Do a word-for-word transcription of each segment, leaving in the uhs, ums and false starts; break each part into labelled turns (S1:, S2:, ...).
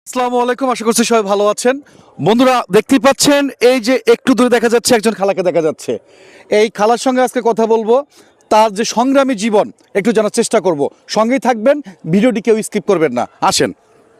S1: আসসালামু আলাইকুম, আশা করছি সবাই ভালো আছেন। বন্ধুরা দেখতেই পাচ্ছেন এই যে একটু দূরে দেখা যাচ্ছে একজন খালাকে দেখা যাচ্ছে। এই খালার সঙ্গে আজকে কথা বলবো, তার যে সংগ্রামী জীবন একটু জানার চেষ্টা করব। সঙ্গেই থাকবেন, ভিডিওটি কেউ স্কিপ করবেন না। আসেন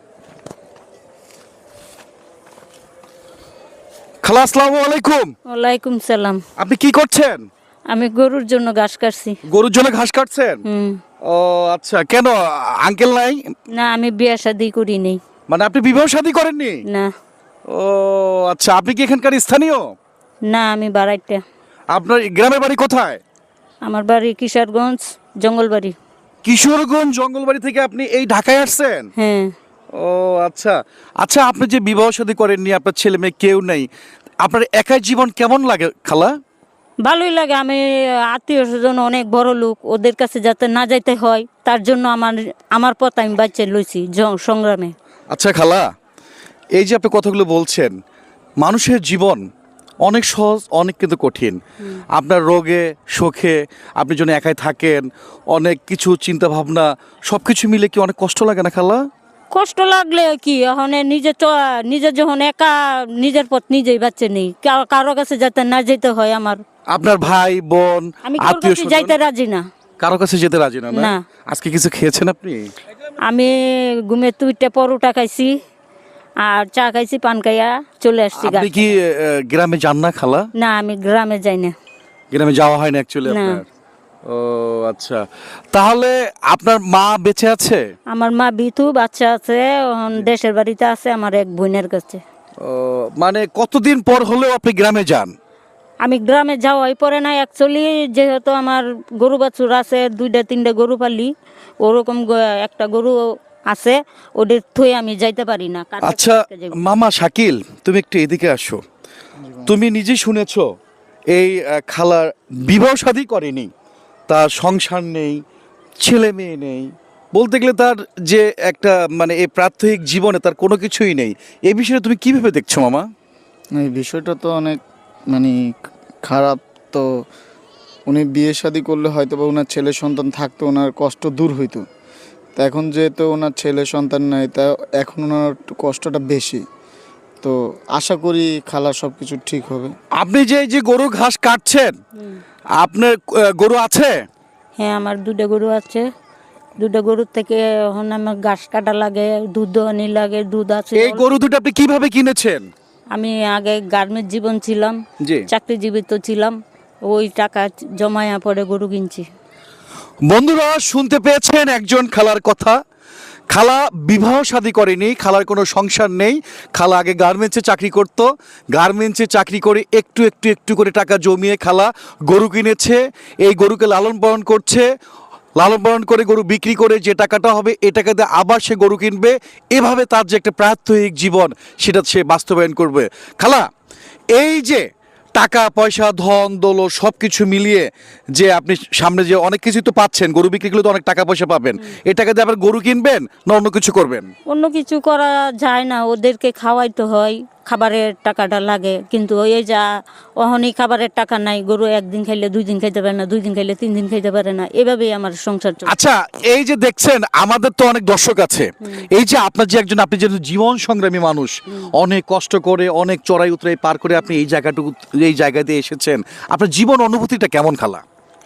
S1: খালা, আসসালামু আলাইকুম।
S2: ওয়ালাইকুম সালাম।
S1: আপনি কি করছেন?
S2: আমি গরুর জন্য ঘাস কাটছি।
S1: গরুর জন্য ঘাস কাটছেন?
S2: হুম।
S1: ও আচ্ছা, কেন আঙ্কেল নাই?
S2: না, আমি বিয়া শাদি করি নেই।
S1: মানে আপনি বিবাহ শাদী করেননি?
S2: না।
S1: ও আচ্ছা, আপনি কি এখানকার স্থানীয়?
S2: না, আমি বাড়াইটা।
S1: আপনার গ্রামের বাড়ি কোথায়?
S2: আমার বাড়ি কিশোরগঞ্জ জঙ্গলবাড়ি।
S1: কিশোরগঞ্জ জঙ্গলবাড়ি থেকে আপনি এই ঢাকায় আসছেন?
S2: হ্যাঁ।
S1: ও আচ্ছা আচ্ছা, আপনি যে বিবাহ শাদী করেননি, আপনার ছেলে মেয়ে কেউ নেই, আপনার একাই জীবন কেমন লাগে খালা?
S2: ভালোই লাগে। আমি আত্মীয় স্বজন অনেক বড় লোক, ওদের কাছে যাতে না যাইতে হয় তার জন্য আমার আমার পথ আমি বাচ্চা লইছি জ- সংগ্রামে।
S1: আচ্ছা খালা, এই যে আপনি কথাগুলো বলছেন, মানুষের জীবন অনেক সহজ, অনেক কিন্তু কঠিন। আপনার রোগে শোকে আপনি যখন একাই থাকেন, অনেক কিছু চিন্তা ভাবনা সব কিছু মিলে কি অনেক কষ্ট লাগে না খালা?
S2: কষ্ট লাগলে কি এখন নিজে চ- নিজে যখন একা নিজের পথ নিজেই বাচ্চা নেই, কারো- কারো কাছে যাতে না যেতে হয় আমার।
S1: আপনার ভাই বোন
S2: আমি কারোর
S1: আত্মীয়
S2: কাছে যাইতে রাজি না।
S1: কারো কাছে যেতে রাজি না? না
S2: না।
S1: আজকে কিছু খেয়েছেন আপনি?
S2: আমি ঘুমে তুইটা পরোটা খাইছি আর চা খাইছি, পান খাইয়া চলে আসছি।
S1: আপনি কি আহ, গ্রামে যান না খালা?
S2: না, আমি গ্রামে যাই না।
S1: গ্রামে যাওয়া হয় না অ্যাকচুয়ালি
S2: না।
S1: আপনার? ও আচ্ছা, তাহলে আপনার মা বেঁচে আছে?
S2: আমার মা বিতু, বাচ্চা আছে, এখন দেশের বাড়িতে আছে আমার এক বোনের কাছে।
S1: ও মানে কতদিন পর হলেও আপনি গ্রামে যান?
S2: আমি গ্রামে যাওয়াই পরে না অ্যাকচুয়ালি, যেহেতু আমার গরু বাছুর আছে, দুইটা তিনটা গরু পালি, ওরকম গ- একটা গরু আছে, ওদের থুয়ে আমি যাইতে পারি না। কার কাছে
S1: আচ্ছা
S2: থেকে যাবো?
S1: মামা শাকিল, তুমি একটু এদিকে আসো। তুমি নিজেই শুনেছো এই আহ, খালার বিবাহ শাদী করেনি, তার সংসার নেই, ছেলে মেয়ে নেই, বলতে গেলে তার যে একটা মানে এই প্রাত্যহিক জীবনে তার কোনো কিছুই নেই। এই বিষয়ে তুমি কিভাবে দেখছো মামা?
S3: এই বিষয়টা তো অনেক মানে খারাপ। তো উনি বিয়ে শাদী করলে হয়তো বা ওনার ছেলে সন্তান থাকতো, ওনার কষ্ট দূর হইতো। তা এখন যেহেতু ওনার ছেলে সন্তান নাই, তা এখন ওনার একটু কষ্টটা বেশি। তো আশা করি খালা সব কিছু ঠিক হবে।
S1: আপনি যে এই যে গরু ঘাস কাটছেন, আপনার আহ, গরু আছে?
S2: হ্যাঁ, আমার দুটো গরু আছে। দুটো গরুর থেকে এখন আমার ঘাস কাটা লাগে, দুধ দোয়ানি লাগে, দুধ আছে।
S1: এই গরু দুটো আপনি কিভাবে কিনেছেন?
S2: আমি আগে গার্মেন্টস জীবন ছিলাম,
S1: জি
S2: চাকরিজীবিত ছিলাম, ওই টাকা জমায়া পরে গরু কিনছি।
S1: বন্ধুরা, শুনতে পেয়েছেন একজন খালার কথা। খালা বিবাহ শাদী করেনি, খালার কোনো সংসার নেই। খালা আগে গার্মেন্টসে চাকরি করত, গার্মেন্টসে চাকরি করে একটু একটু একটু করে টাকা জমিয়ে খালা গরু কিনেছে। এই গরুকে লালন পালন করছে, লালন পালন করে গরু বিক্রি করে যে টাকাটা হবে এই টাকাতে আবার সে গরু কিনবে। এভাবে তার যে একটা প্রাত্যহিক জীবন সেটা সে বাস্তবায়ন করবে। খালা, এই যে টাকা পয়সা ধন দৌলত সব কিছু মিলিয়ে যে আপনি সামনে যে অনেক কিছু তো পাচ্ছেন, গরু বিক্রি করলে তো অনেক টাকা পয়সা পাবেন, এই টাকা দিয়ে আবার গরু কিনবেন না অন্য কিছু করবেন?
S2: অন্য কিছু করা যায় না, ওদেরকে খাওয়াইতে হয়, খাবারের টাকাটা লাগে। কিন্তু ওই যা অহনি খাবারের টাকা নাই, গরু একদিন খাইলে দুই দিন খাইতে পারে না, দুই দিন খাইলে তিন দিন খাইতে পারে না, এভাবেই আমার সংসার চলে।
S1: আচ্ছা, এই যে দেখছেন আমাদের তো অনেক দর্শক আছে, এই যে আপনার যে একজন আপনি যে জীবন সংগ্রামী মানুষ, অনেক কষ্ট করে অনেক চড়াই উতরাই পার করে আপনি এই জায়গাটুকু এই জায়গাতে এসেছেন, আপনার জীবন অনুভূতিটা কেমন খালা?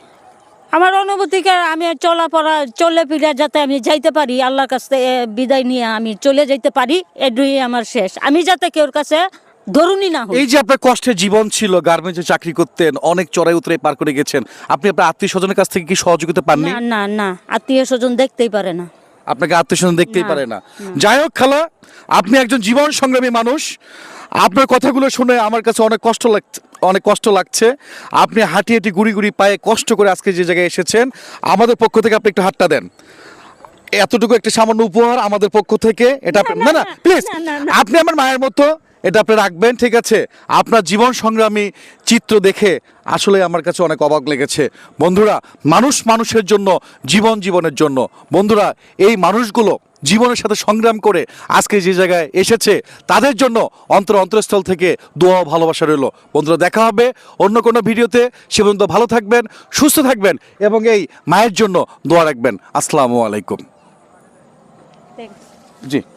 S2: আমার অনুভূতিকে আমি চলাফেরা চলে ফিরে যাতে আমি যাইতে পারি, আল্লাহর কাছে বিদায় নিয়ে আমি চলে যাইতে পারি, এটুই আমার শেষ। আমি যাতে কেউর কাছে ধরুনি না হই।
S1: এই যে আপনার কষ্টের জীবন ছিল, গার্মেন্টসে চাকরি করতেন, অনেক চড়াই উতরাই পার করে গেছেন, আপনি আপনার আত্মীয় স্বজনের কাছ থেকে কি সহযোগিতা পাননি?
S2: না না না, আত্মীয় স্বজন দেখতেই পারে না।
S1: আপনাকে আত্মীয় স্বজন দেখতেই
S2: না,
S1: পারে না। যাই হোক খালা, আপনি একজন জীবন সংগ্রামী মানুষ। আপনার কথাগুলো শুনে আমার কাছে অনেক কষ্ট লাগছে, অনেক কষ্ট লাগছে। আপনি হাঁটি হাঁটি গুড়ি গুড়ি পায়ে কষ্ট করে আজকে যে জায়গায় এসেছেন, আমাদের পক্ষ থেকে আপনি একটু হাতটা দেন। এতটুকু একটা সামান্য উপহার আমাদের পক্ষ থেকে, এটা আপনি- না না প্লিজ,
S2: না, না, না।
S1: আপনি আমার মায়ের মতো, এটা আপনি রাখবেন, ঠিক আছে? আপনার জীবন সংগ্রামী চিত্র দেখে আসলে আমার কাছে অনেক অবাক লেগেছে। বন্ধুরা, মানুষ মানুষের জন্য, জীবন জীবনের জন্য। বন্ধুরা, এই মানুষগুলো জীবনের সাথে সংগ্রাম করে আজকে যে জায়গায় এসেছে, তাদের জন্য অন্তর অন্তরস্থল থেকে দোয়া ও ভালোবাসা রইল। বন্ধুরা, দেখা হবে অন্য কোনো ভিডিওতে। সে পর্যন্ত ভালো থাকবেন, সুস্থ থাকবেন এবং এই মায়ের জন্য দোয়া রাখবেন। আসসালামু আলাইকুম।
S2: Thanks.
S1: জি।